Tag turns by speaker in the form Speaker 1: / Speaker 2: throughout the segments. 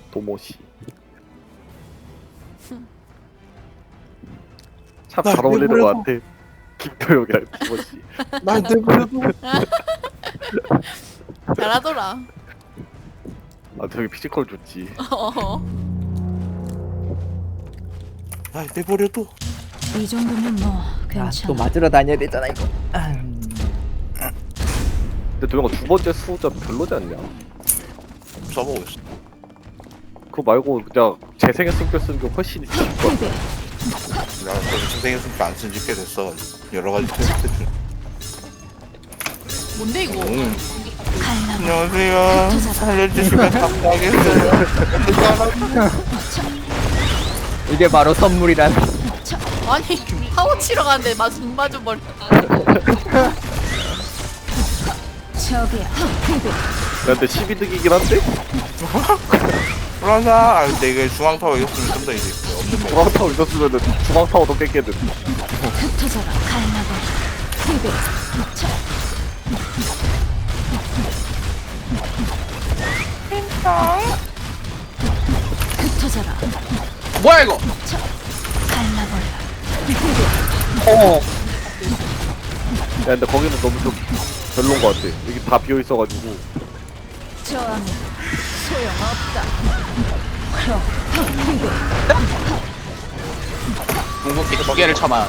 Speaker 1: 도모시. 참 잘 어울리는 것 같아. 김도영이랑 도모시.
Speaker 2: 날 내버려둬.
Speaker 3: 잘하더라.
Speaker 1: 아 되게 피지컬 좋지.
Speaker 2: 날 내버려둬.
Speaker 4: 이 정도면 뭐
Speaker 5: 또
Speaker 4: 괜찮아.
Speaker 5: 맞으러 다녀야 되잖아 이거.
Speaker 1: 근데 도영아 두 번째 수호자 별로지 않냐?
Speaker 2: 써보고 있어.
Speaker 1: 그거 말고 그냥 재생의 숨겨 쓰는 게 훨씬 좋을 것 같아.
Speaker 2: 내가 그래서 생했으니까 안 쓴지 꽤 됐어. 여러 가지 테스트 중.
Speaker 3: 뭔데 이거?
Speaker 4: 갈라버
Speaker 2: 안녕하세요. 살려주시면 감사하겠어요.
Speaker 5: 이게 바로 선물이란.
Speaker 3: 아니 하고 치러 가는데 맞은 버려.
Speaker 4: 저기야.
Speaker 1: 야, 근데 12득이긴 한데?
Speaker 2: 불안사. 아 근데 이게 중앙타워 이겼으면 좀 더 이제 없는 거.
Speaker 1: 중앙타워 있었으면은 중앙타워도 깼겠는데.
Speaker 4: 흩어져라. 갈라버 흩어져라.
Speaker 5: 뭐야 이거?
Speaker 4: 갈라버려.
Speaker 5: 어.
Speaker 1: 야, 근데 거기는 너무 좀 별론 것 같아. 여기 다 비어 있어가지고.
Speaker 4: 저항은 소용없다. 그럼
Speaker 6: 궁극기 두 개를 쳐만.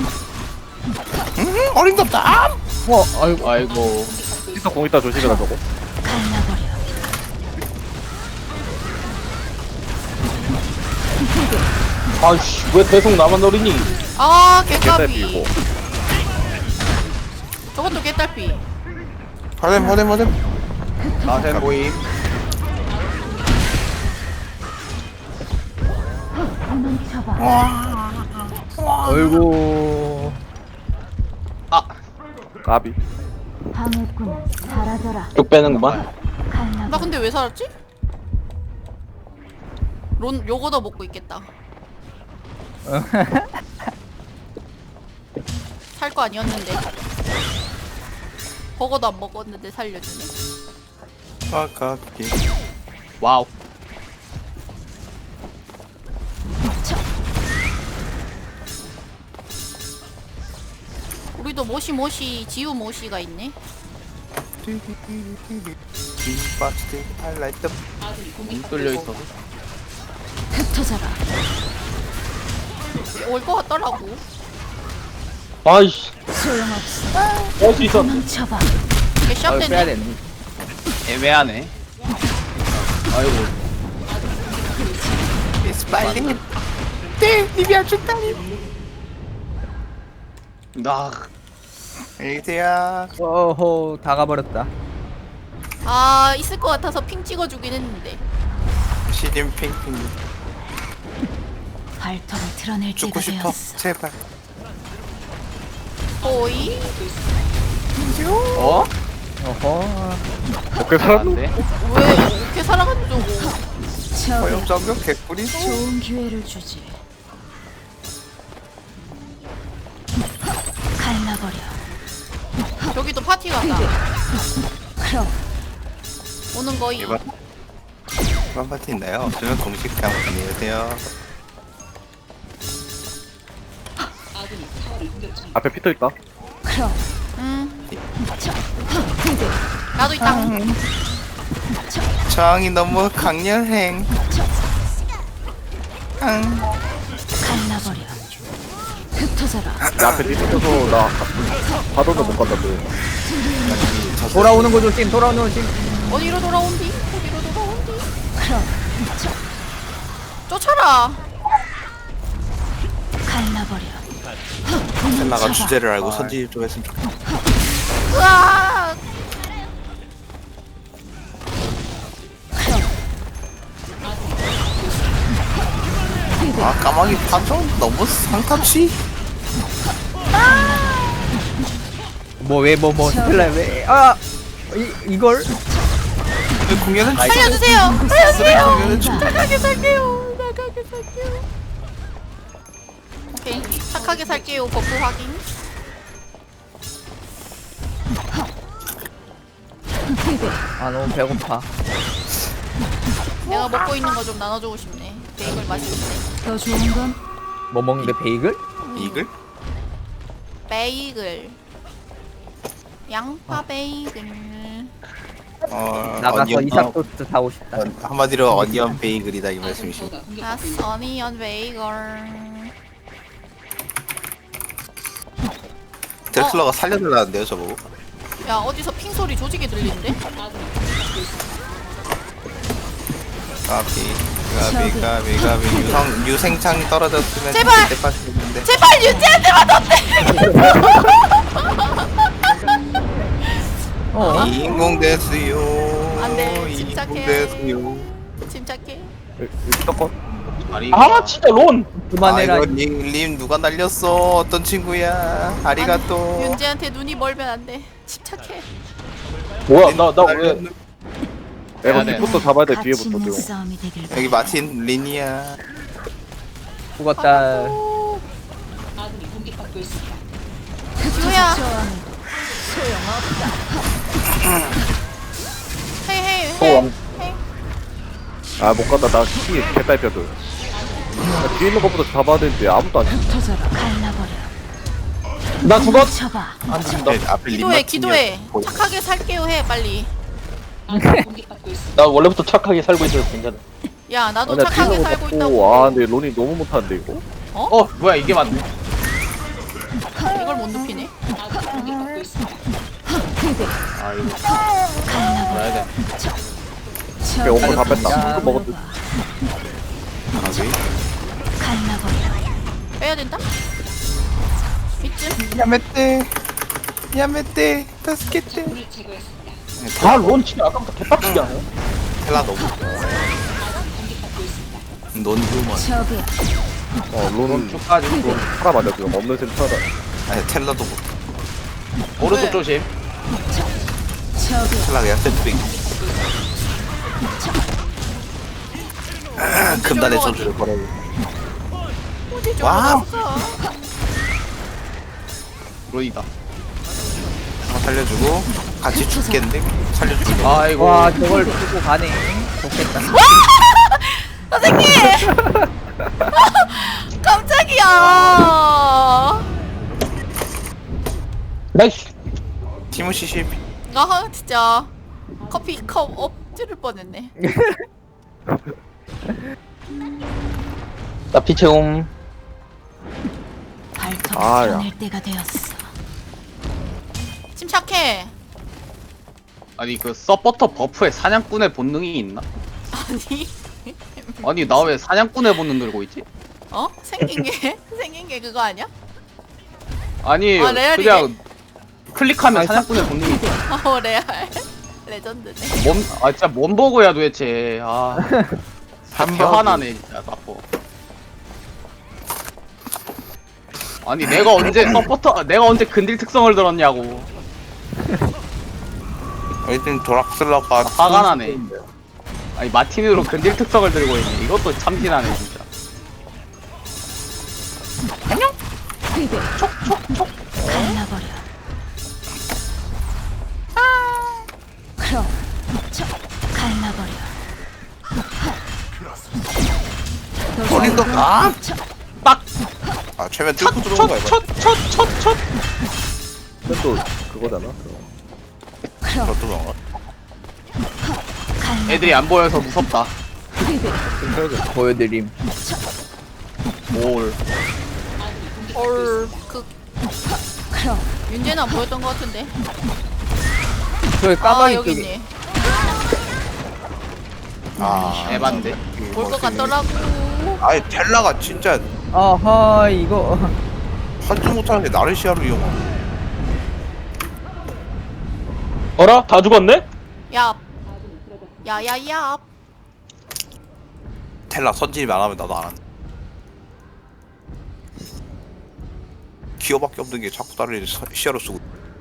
Speaker 2: 어림없다.
Speaker 5: 아이고.
Speaker 6: 아이고.
Speaker 1: 있어 공 있다 조심해라 저거.
Speaker 4: 갈라버려.
Speaker 6: 아이씨, 왜 계속 나만 노리니?
Speaker 3: 아
Speaker 1: 깨달비
Speaker 3: 개까비.
Speaker 1: 이거.
Speaker 3: 저것도 개딸피.
Speaker 2: 화뎀.
Speaker 6: 나샘 보임.
Speaker 5: 아이고.
Speaker 6: 아,
Speaker 1: 까비.
Speaker 4: 방해꾼은 사라져라.
Speaker 6: 쭉 빼는구만.
Speaker 3: 나
Speaker 4: 갈라버려.
Speaker 3: 근데 왜 살았지? 론 요거도 먹고 있겠다. 살 거 아니었는데. 버거도 안 먹었는데 살려주네.
Speaker 2: 아깝게.
Speaker 6: 와우.
Speaker 3: 우리도 모시모시 지우 모시가 있네.
Speaker 2: 김밥스틱 하이라이트.
Speaker 6: 문 뚫려 있어서.
Speaker 4: 흩어져라.
Speaker 3: 올 거 같더라고.
Speaker 6: 아이씨,
Speaker 4: 소용없어.
Speaker 6: 할수 있어.
Speaker 4: 도망쳐봐.
Speaker 3: 이게
Speaker 5: 아이고 빼야
Speaker 3: 시합되네.
Speaker 5: 되네.
Speaker 6: 애매하네. 아이고.
Speaker 2: 스파이팅.
Speaker 6: 나
Speaker 2: 안녕히 계세요.
Speaker 5: 어허 다 가버렸다.
Speaker 3: 아 있을 것 같아서 핑 찍어주긴 했는데.
Speaker 2: 시즌 핑핑.
Speaker 4: 발톱을 드러낼
Speaker 2: 죽고
Speaker 4: 때가
Speaker 2: 싶어.
Speaker 4: 되었어.
Speaker 2: 제발.
Speaker 3: 오이.
Speaker 6: 어?
Speaker 5: 어허.
Speaker 1: 어깨 살았노?
Speaker 6: 안돼.
Speaker 3: 왜 이렇게 살아가는 저거.
Speaker 4: 저기
Speaker 2: 허용점격 개꿀이.
Speaker 4: 좋은 기회를 주지. 갈라버려.
Speaker 3: 여기도 파티 간다.
Speaker 4: 그럼
Speaker 3: 오는 거이.
Speaker 2: 이번 파티 있나요? 없으면 공식 강 안녕히 계세요.
Speaker 1: 앞에 피터 있다.
Speaker 4: 그럼
Speaker 3: 나도 있다.
Speaker 2: 저항이 너무 강렬행.
Speaker 4: 갈라버려. 흩어져라.
Speaker 1: 나 앞에 뛰면서 나 바도는 못 간다 너.
Speaker 5: 돌아오는 거 조심. 돌아오는 거 조심.
Speaker 3: 어디로 돌아온디? 어디로 돌아온디?
Speaker 4: 그럼
Speaker 3: 쫓아라.
Speaker 4: 갈라버려.
Speaker 2: 셀라가 주제를 알고 선지 좀 했으면 좋겠다.
Speaker 3: 으아.
Speaker 2: 아 까마귀 판정 너무 상탑시.
Speaker 5: 뭐 스텔라 왜? 아 이걸?
Speaker 2: 공연은
Speaker 3: 살려주세요.
Speaker 2: 공연은 좀
Speaker 3: 착하게 살게요. 나가게 살게요. 오케이. 착하게 살게요. 버프 확인.
Speaker 5: 아 너무 배고파.
Speaker 3: 내가 먹고 있는 거 좀 나눠주고 싶네. 베이글 맛있네.
Speaker 4: 더 좋은 건
Speaker 5: 뭐 먹는데 베이글?
Speaker 2: 이글?
Speaker 3: 베이글. 양파 베이글.
Speaker 5: 나가서
Speaker 2: 어니언
Speaker 5: 이삭토스트 사고 싶다.
Speaker 2: 한마디로 어니언 베이글이다 이 말씀이십니다.
Speaker 3: 다스 어니언 베이글.
Speaker 2: 테슬라가 살려달라는데요 저보고.
Speaker 3: 야 어디서 핑 소리 조지게 들리는데?
Speaker 2: 까비 유생창이 떨어졌으면
Speaker 3: 제발!
Speaker 2: 그때 빠졌는데.
Speaker 3: 제발 윤지한테만 던데.
Speaker 2: 인공 됐어요.
Speaker 3: 안 돼,
Speaker 2: 인공
Speaker 3: 침착해.
Speaker 2: 됐어요.
Speaker 3: 침착해.
Speaker 1: 무조건
Speaker 6: 아 진짜 론.
Speaker 5: 그만해라.
Speaker 2: 아, 이거 림 누가 날렸어? 어떤 친구야? 아리가또.
Speaker 3: 윤지한테 눈이 멀면 안 돼. 침착해.
Speaker 6: 뭐야 나 왜?
Speaker 1: 내가
Speaker 6: 네.
Speaker 1: 뒤부터 잡아야 돼
Speaker 4: 가치
Speaker 1: 뒤에부터
Speaker 4: 있는
Speaker 1: 지금.
Speaker 4: 싸움이 되길 바래.
Speaker 2: 여기 마틴 린이야.
Speaker 5: 죽었다.
Speaker 3: 지우야.
Speaker 4: 저항은
Speaker 3: 헤이 헤이
Speaker 6: 또
Speaker 3: 헤이.
Speaker 6: 왕.
Speaker 3: 헤이.
Speaker 1: 아못 간다 나 키 개딸뼈들. 나 뒤에 있는 것부터 잡아야 되는데 아무도 안.
Speaker 4: 흩어져라. 갈라버려.
Speaker 6: 나 죽었.
Speaker 4: 쳐봐.
Speaker 6: 안 죽는다.
Speaker 2: 앞에 린
Speaker 3: 기도해
Speaker 2: 마틴이야.
Speaker 3: 기도해.
Speaker 2: 보이-
Speaker 3: 착하게 살게요 해 빨리.
Speaker 6: 나 원래부터 착하게 살고 있어서 괜찮아.
Speaker 3: 야 나도
Speaker 1: 아니야 뒤에
Speaker 3: 착하게
Speaker 1: 있는 거
Speaker 3: 살고
Speaker 1: 잡고
Speaker 3: 있다고.
Speaker 1: 아 근데 론이 너무 못하는데 이거.
Speaker 6: 어 뭐야 이게 맞네.
Speaker 3: 이걸 못 눕히네.
Speaker 6: 아 이거
Speaker 4: 갈라버려.
Speaker 6: 뭐야 돼.
Speaker 1: 그래 원거 다 뺐다.
Speaker 5: 야.
Speaker 1: 또 먹었지.
Speaker 2: 가비.
Speaker 4: 갈라버려.
Speaker 3: 빼야 된다. 이쯤.
Speaker 2: 야메떼 다스케떼.
Speaker 6: 아론 진짜 아까부터 개빡치게 하네.
Speaker 2: 텔라 너무. 논두먼.
Speaker 4: 저기야.
Speaker 1: 론은
Speaker 6: 쭉까지.
Speaker 1: 팔아 맞아 지금 없는 셈 팔아.
Speaker 2: 아니 텔라도 못.
Speaker 6: 오른쪽 조심.
Speaker 4: 저기야.
Speaker 2: 텔라 그냥 샌드백. 금단의 전주를 걸어.
Speaker 3: 어디 좀
Speaker 2: 와우.
Speaker 3: 갔어.
Speaker 6: 론이다.
Speaker 2: 살려주고 같이 죽겠는데 살려주고.
Speaker 6: 아이고.
Speaker 5: 와 저걸 두고 가네. 좋겠다.
Speaker 3: 선생님. 깜짝이야.
Speaker 6: 나이스.
Speaker 2: 티모시 실비.
Speaker 3: 아 진짜 커피 컵 엎드릴 뻔했네.
Speaker 6: 나 피채움.
Speaker 4: 발톱을
Speaker 1: 아, 야.
Speaker 4: 겨눌 때가 되었어.
Speaker 3: 침착해.
Speaker 6: 아니 그 서포터 버프에 사냥꾼의 본능이 있나?
Speaker 3: 아니
Speaker 6: 아니 나 왜 사냥꾼의 본능 들고 있지?
Speaker 3: 어 생긴 게 생긴 게 그거 아니야?
Speaker 6: 아니
Speaker 3: 아, 레알이네.
Speaker 6: 그냥 클릭하면
Speaker 5: 아니,
Speaker 6: 사냥꾼의 본능이 있어.
Speaker 3: 어 레알 레전드네.
Speaker 6: 아 진짜 뭔 버그야 도대체. 아 화나네 진짜 나빠. 아니 내가 언제 서포터 내가 언제 근딜 특성을 들었냐고.
Speaker 2: 일단 도락슬러가
Speaker 6: 화가 나네. 아니 마틴으로 근딜 특성을 들고 있네. 이것도 참신하네 진짜.
Speaker 4: 갈라버려. 크롬. 갈라버려.
Speaker 2: 어린도 가.
Speaker 6: 빡!
Speaker 2: 아 최면 뚫고 들어온 거야 이거.
Speaker 6: 첫.
Speaker 1: 근데 또 그거잖아. 그거.
Speaker 4: 크롬.
Speaker 2: 그것도 뭔가.
Speaker 4: 갈라버려.
Speaker 6: 애들이 안 보여서 무섭다.
Speaker 5: 보여드림.
Speaker 6: 올.
Speaker 3: 그
Speaker 4: 크롬.
Speaker 3: 윤재는 안 보였던 것 같은데.
Speaker 5: 저기
Speaker 3: 아
Speaker 5: 까마귀
Speaker 3: 여기
Speaker 5: 쪽에.
Speaker 3: 있네.
Speaker 2: 아
Speaker 6: 에반데.
Speaker 3: 볼 것 같더라고.
Speaker 2: 아니 텔라가 진짜
Speaker 5: 어허 이거.
Speaker 2: 한줄 못하는 게 나르시아로 이용하고.
Speaker 6: 어라? 다 죽었네?
Speaker 3: 야. 야야야.
Speaker 2: 텔라 선진이 안 하면 나도 안 한다. 기어밖에 없는 게 자꾸 다른 애들 시야로 쓰고.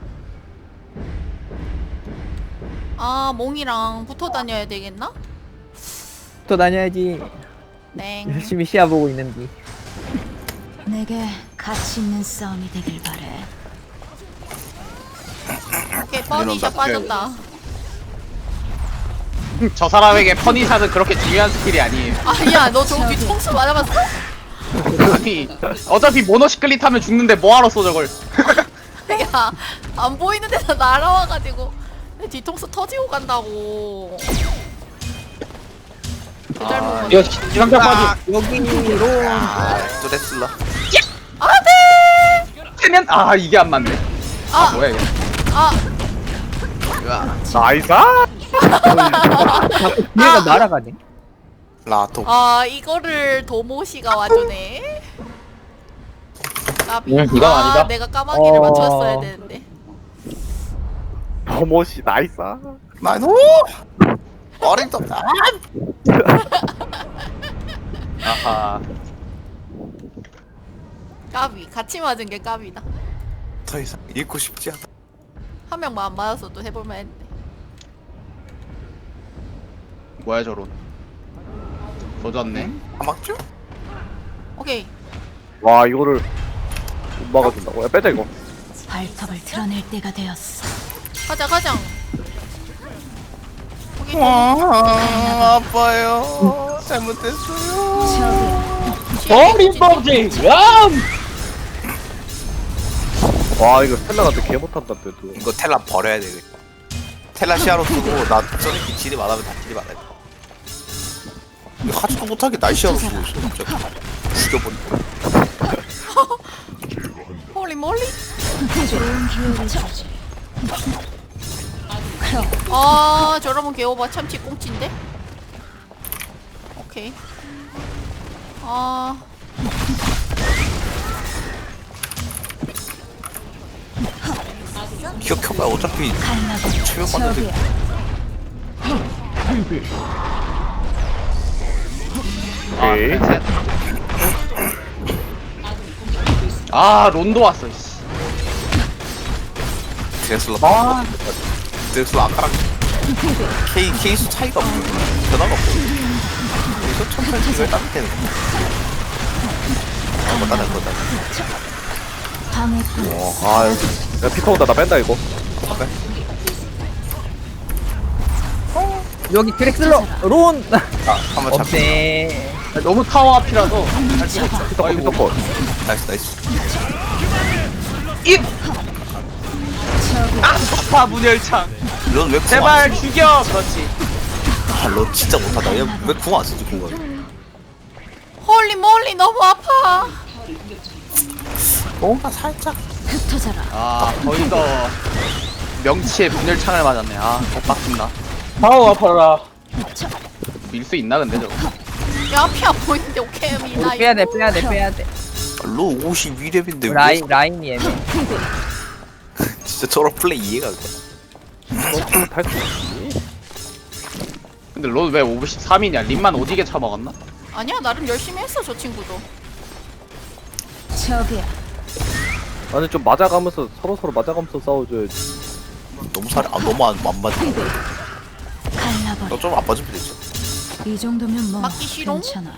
Speaker 3: 아 몽이랑 붙어 다녀야 되겠나?
Speaker 5: 또 다녀야지.
Speaker 3: 땡.
Speaker 5: 열심히 시야 보고 있는디.
Speaker 4: 내게 가치 있는 싸움이 되길 바래.
Speaker 3: 오케이 뻔히샷 빠졌다.
Speaker 6: 저 사람에게 퍼니샷은 그렇게 중요한 스킬이 아니에요.
Speaker 3: 아니야 너 저거 뒤통수 맞아봤어?
Speaker 6: 아니 어차피 모노시클릿 하면 죽는데 뭐하러 써 저걸.
Speaker 3: 야안 보이는 데서 날아와가지고 내 뒤통수 터지고 간다고.
Speaker 6: 아,
Speaker 5: 이거 기상자 빠지. 여기로.
Speaker 2: 뚜레슬라.
Speaker 3: 안돼.
Speaker 6: 세면 아 이게 안 맞네. 아 뭐야 이게.
Speaker 3: 아
Speaker 1: 나이스.
Speaker 5: 얘가 날아가네.
Speaker 2: 라토.
Speaker 3: 아 이거를 도모시가 와주네. 까비.
Speaker 5: 이건 아니다.
Speaker 3: 내가 까마귀를 맞췄어야 되는데.
Speaker 1: 버모시 나이스.
Speaker 2: 나이노. 어림없다.
Speaker 6: 아하.
Speaker 3: 까비. 같이 맞은 게 까비다.
Speaker 2: 더 이상 읽고 싶지 않아.
Speaker 3: 한 명만 안 맞았어도 해볼만 했는데.
Speaker 6: 뭐야 저런. 조졌네.
Speaker 2: 아 맞죠?
Speaker 3: 오케이.
Speaker 1: 와 이거를 못 막아준다고. 야 빼자 이거.
Speaker 4: 발톱을 드러낼 때가 되었어.
Speaker 3: 가자 가자. 오케이.
Speaker 2: 아파요. 잘못했어요.
Speaker 5: 어림법지. 람.
Speaker 1: 와 이거 스텔라한테 개 못한다 또.
Speaker 2: 이거 텔라 버려야 돼. 텔라 시야로 쓰고 나 저렇게 딜이 많으면 다 딜이 많아. 이거 하지도 못하게 날 시야로 쓰고 있어. 진짜 죽여버리고.
Speaker 3: 홀리 몰리.
Speaker 4: 좋은 기회를 주지.
Speaker 3: 아 저러면 개오바 참치 꽁치인데? 오케이. 아
Speaker 2: 기억해봐. 어차피
Speaker 4: 갈라버려.
Speaker 2: 체력 받는데.
Speaker 1: 오케이.
Speaker 6: 셋. 아 론도 왔어. 씨.
Speaker 2: 드레슬러. 드레슬러 아까랑 케이스 차이가 없고 변화가 없고. 그래서 천천히 이걸 따뜻해는 거. 뭐 다른 거다.
Speaker 4: 방해꾼.
Speaker 1: 아 야 피터 온다. 나 뺀다 이거.
Speaker 5: 여기 드렉슬러. 론.
Speaker 2: 한번 잡.
Speaker 5: 없네.
Speaker 6: 너무 타워 앞이라서 할 수가 없어.
Speaker 1: 피터 컷 피터 컷.
Speaker 2: 나이스.
Speaker 6: 입! 아파 문열창.
Speaker 2: 넌왜
Speaker 6: 제발 죽여. 그렇지.
Speaker 2: 너 진짜 못하다. 얘왜 궁 안 쓰지 궁을?
Speaker 3: 홀리 몰리 너무 아파.
Speaker 2: 뭔가 살짝.
Speaker 4: 흩어져라.
Speaker 6: 아 거기서 명치에 문열창을 맞았네. 아 엇박힌다.
Speaker 5: 아우 아파라.
Speaker 6: 밀 수 있나 근데 저거.
Speaker 3: 야 앞이 안 보이는데 오케이 미나.
Speaker 5: 빼야 돼 빼야 돼 빼야 돼.
Speaker 2: 로 52렙인데
Speaker 5: 라인이 애매.
Speaker 2: 진짜 저런 플레이 이해가 안 가.
Speaker 1: 탈수 있지.
Speaker 6: 근데 론 왜 53이냐? 림만 오지게 처먹었나?
Speaker 3: 아니야 나름 열심히 했어 저 친구도.
Speaker 4: 저기야.
Speaker 1: 아니 좀 맞아가면서 서로 맞아가면서 싸워줘야지.
Speaker 2: 너무 살이 너무 안 맞아.
Speaker 4: 갈라버려.
Speaker 2: 너 좀 안 맞으면 되지.
Speaker 4: 이 정도면 뭐
Speaker 3: 맞기 싫어?
Speaker 4: 괜찮아.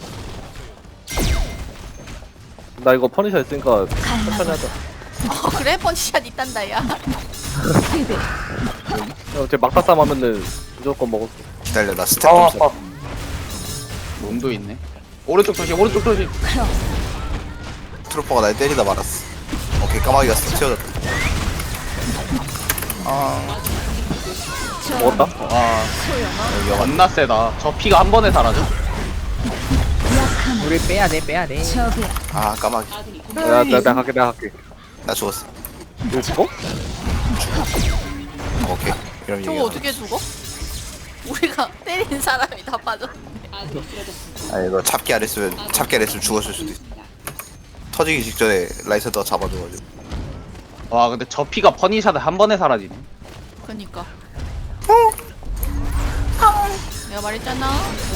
Speaker 1: 나 이거 퍼니셔 했으니까 천천히 하자.
Speaker 3: 그래 펀치샷 있단다 야.
Speaker 1: 쟤 막타 싸움 하면은 무조건 먹었어.
Speaker 2: 기다려 나 스텝 좀 써.
Speaker 6: 론도 있네. 오른쪽 조심. 오른쪽 조심.
Speaker 2: 트루퍼가 날 때리다 말았어. 오케이 까마귀가 채워졌다.
Speaker 1: 먹었다?
Speaker 6: 와
Speaker 2: 여기
Speaker 6: 겁나 세다. 저 피가 한 번에 사라져.
Speaker 5: 우리 빼야 돼 빼야 돼.
Speaker 4: 저기야.
Speaker 2: 아 까마귀.
Speaker 1: 내가 갈게.
Speaker 2: 나 죽었어.
Speaker 1: 이거 죽어?
Speaker 2: 오케이. 이러면
Speaker 3: 저거
Speaker 2: 얘기가
Speaker 3: 어떻게 죽어? 우리가 때린 사람이 다 빠졌네.
Speaker 2: 아니 이거 잡기 안 했으면 죽었을 수도 있어. 터지기 직전에 라이센더가 잡아줘가지고.
Speaker 6: 와 근데 저 피가 퍼니샷을 한 번에 사라지네.
Speaker 3: 그니까. 내가 말했잖아.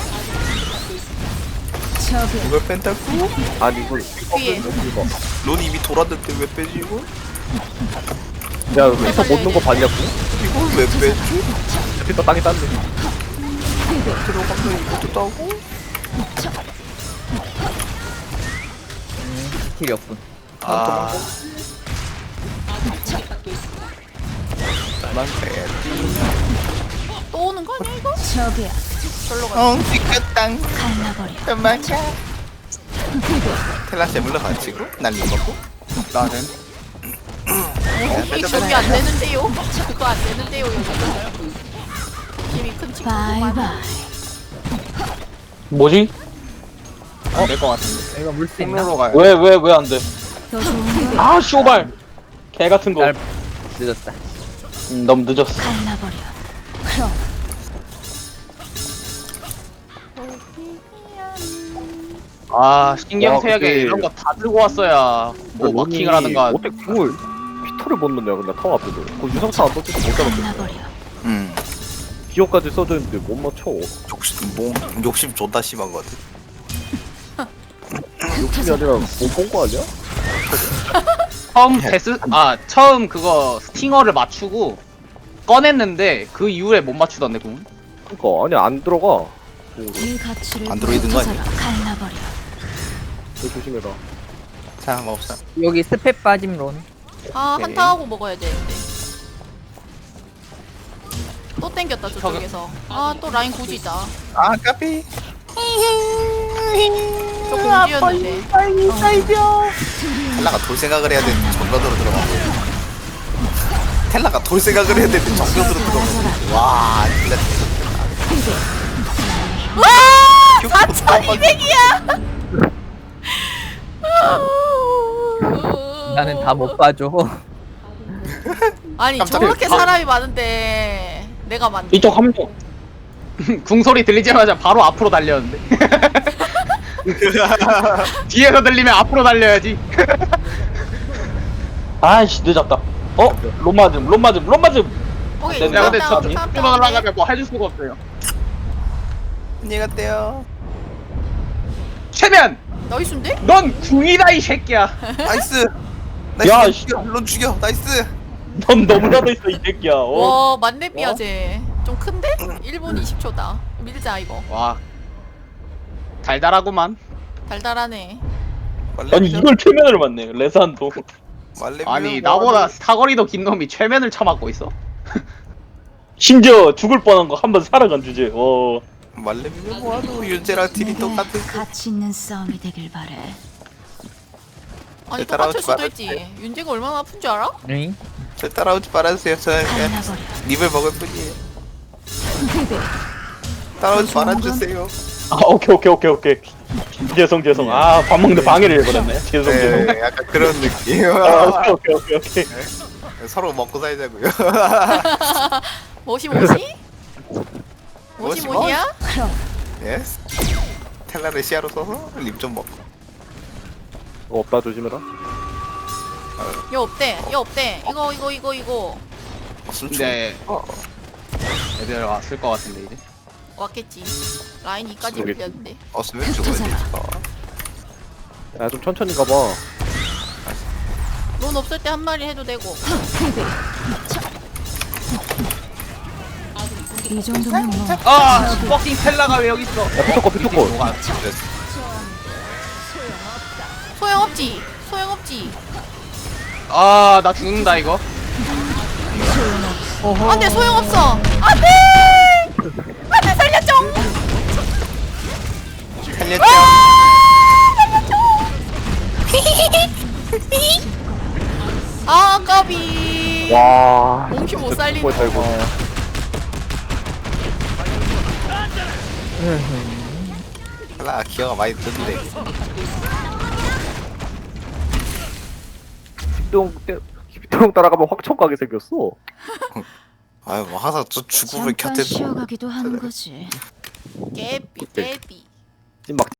Speaker 4: 저기야.
Speaker 2: 이걸 뺀다고?
Speaker 1: 아니 이걸
Speaker 3: 뒤에.
Speaker 2: 론 이미 돌았는데 왜 빼지 이거?
Speaker 1: 야 피터 못 넣은 거 봤냐고?
Speaker 2: 이걸 왜 빼지?
Speaker 1: 피터 땅에 딴데.
Speaker 2: 들어가면 이것도 따고?
Speaker 5: 스킬이 없군.
Speaker 6: 아
Speaker 2: 난 빼.
Speaker 3: 또 오는 거 아니야 이거?
Speaker 4: 저기야.
Speaker 3: 절로 가.
Speaker 2: 삐끗땅.
Speaker 4: 갈라버려.
Speaker 2: 도망쳐. 텔라시아 물러가지고 날림 먹고.
Speaker 6: 나는
Speaker 3: 이 저기 안 되는데요. 그거 안 되는데요 여기. 힘이 큰 친구구만.
Speaker 4: 바이바이.
Speaker 5: 뭐지?
Speaker 6: 안 될 것 같은데.
Speaker 5: 이거 물 수 있나?
Speaker 6: 통로로 가요.
Speaker 5: 왜 안 돼?
Speaker 4: 더 좋은 걸
Speaker 5: 아 쇼발 개 같은 거. 늦었다. 너무 늦었어.
Speaker 4: 갈라버려. 그럼
Speaker 6: 아 신경
Speaker 1: 와,
Speaker 6: 쓰여게
Speaker 1: 근데-
Speaker 6: 이런 거 다 들고 왔어야 뭐 마킹을 하든가.
Speaker 1: 어떻게 궁을 피터를 못 넣냐 근데 타워 앞에서 그 유성차 안 떴지도 못 잡았어.
Speaker 4: 갈라버려.
Speaker 1: 기어까지 써져 있는데 못 맞춰.
Speaker 2: 욕심 존나 심한 거 같아.
Speaker 1: 욕심이 아니라 못본거 아니야?
Speaker 6: 처음 처음 그거 스팅어를 맞추고 꺼냈는데 그 이후에 못 맞추던데 궁.
Speaker 1: 그니까 아니 안 들어가.
Speaker 4: 이 가치를
Speaker 2: 안드로이드인 거 아니야?
Speaker 4: 갈라버려.
Speaker 1: 너 조심해라.
Speaker 2: 자, 먹자.
Speaker 5: 여기 스펙 빠짐 론.
Speaker 3: 아
Speaker 2: 오케이.
Speaker 3: 한타하고 먹어야 되는데. 또 땡겼다 저쪽에서. 아 또 라인 고지다.
Speaker 2: 아, 까비.
Speaker 3: 저 공지였는데.
Speaker 2: 텔라가 돌 생각을 해야 되는데 정면으로 들어가고. 텔라가 돌 생각을 해야 되는데 정면으로 들어가고. 와, 진짜.
Speaker 3: 와 4,200이야.
Speaker 5: 나는 다 못 봐줘.
Speaker 3: 아니
Speaker 2: 깜짝이야.
Speaker 3: 저렇게 사람이 많은데 내가 만든.
Speaker 5: 이쪽 한 명.
Speaker 6: 궁 소리 들리자마자 바로 앞으로 달렸는데. 뒤에서 들리면 앞으로 달려야지.
Speaker 5: 아이씨 늦었다. 론 맞음.
Speaker 3: 오케이
Speaker 5: 네,
Speaker 6: 야 근데
Speaker 3: 다음,
Speaker 6: 저
Speaker 3: 다음,
Speaker 6: 앞으로
Speaker 3: 다음.
Speaker 6: 날아가면 뭐 해줄 수가 없어요.
Speaker 2: 안녕히 갔대요.
Speaker 6: 최면
Speaker 3: 나이스인데?
Speaker 6: 넌 궁이다 이 새끼야.
Speaker 2: 나이스.
Speaker 5: 야,
Speaker 2: 나이스.
Speaker 5: 씨.
Speaker 2: 죽여. 물론 죽여. 나이스.
Speaker 5: 넌 너무나도 있어 이 새끼야.
Speaker 3: 와 만렙이야 쟤. 좀 큰데? 1분 20초다. 밀자 이거.
Speaker 6: 와 달달하구만.
Speaker 3: 달달하네.
Speaker 5: 아니 이걸 최면을 맞네. 레산도.
Speaker 6: 아니 나보다 사거리도 긴 놈이 최면을 쳐맞고 있어.
Speaker 5: 심지어 죽을 뻔한 거 한 번 살아간 주제.
Speaker 2: 말레미는 뭐하노? 윤재랑 팀이
Speaker 4: 내게
Speaker 2: 똑같은.
Speaker 4: 가치 있는 싸움이 되길 바래.
Speaker 3: 아니
Speaker 2: 따라오지
Speaker 3: 똑같을 수도
Speaker 2: 말아주세요.
Speaker 3: 있지. 윤재가 얼마나 아픈 줄 알아?
Speaker 5: 응?
Speaker 2: 저 따라오지 말아주세요. 저는 그냥
Speaker 4: 갈라버려.
Speaker 2: 립을 먹을 뿐이에요. 따라오지 말아주세요.
Speaker 5: 아 오케이. 죄송. 아 밥 먹는데 방해를 해버렸네. 죄송.
Speaker 2: 네, 약간 그런 느낌.
Speaker 5: 아 오케이.
Speaker 2: 서로 먹고 살자고요.
Speaker 3: 뭐시?
Speaker 2: 뭐시?
Speaker 3: 뭐시야?
Speaker 4: 그럼
Speaker 2: 예스. 텔라를 시야로 써서 립 좀 먹고.
Speaker 1: 없다 조심해라.
Speaker 3: 얘 없대. 이거
Speaker 2: 숨추.
Speaker 6: 근데 애들 왔을 것 같은데 이제.
Speaker 3: 왔겠지. 라인 2까지
Speaker 1: 그러겠지.
Speaker 3: 밀렸는데.
Speaker 2: 없으면 죽어야 돼.
Speaker 1: 야 좀 천천히 가봐.
Speaker 3: 론 없을 때 한 마리 해도 되고.
Speaker 4: 이 정도면 뭐
Speaker 6: 아 퍼킹 텔라가 왜 여기 있어?
Speaker 1: 야 피터컷.
Speaker 3: 소용없지.
Speaker 6: 아나 죽는다 이거.
Speaker 3: 안돼 소용없어. 안돼 살려줘.
Speaker 2: 살렸죠?
Speaker 3: 아 까비.
Speaker 1: 와.
Speaker 3: 몽키 못
Speaker 1: 진짜
Speaker 3: 살리네.
Speaker 1: 죽을 뻔했다, 이거.
Speaker 2: 텔라 기어가 많이 드는데.
Speaker 1: 기피똥 따라가면 확청 가게 생겼어.
Speaker 2: 아유 뭐 항상 저 죽음을
Speaker 4: 잠깐
Speaker 2: 곁에
Speaker 4: 쉬어가기도 하는 거지.
Speaker 3: 깨비.
Speaker 1: 찐막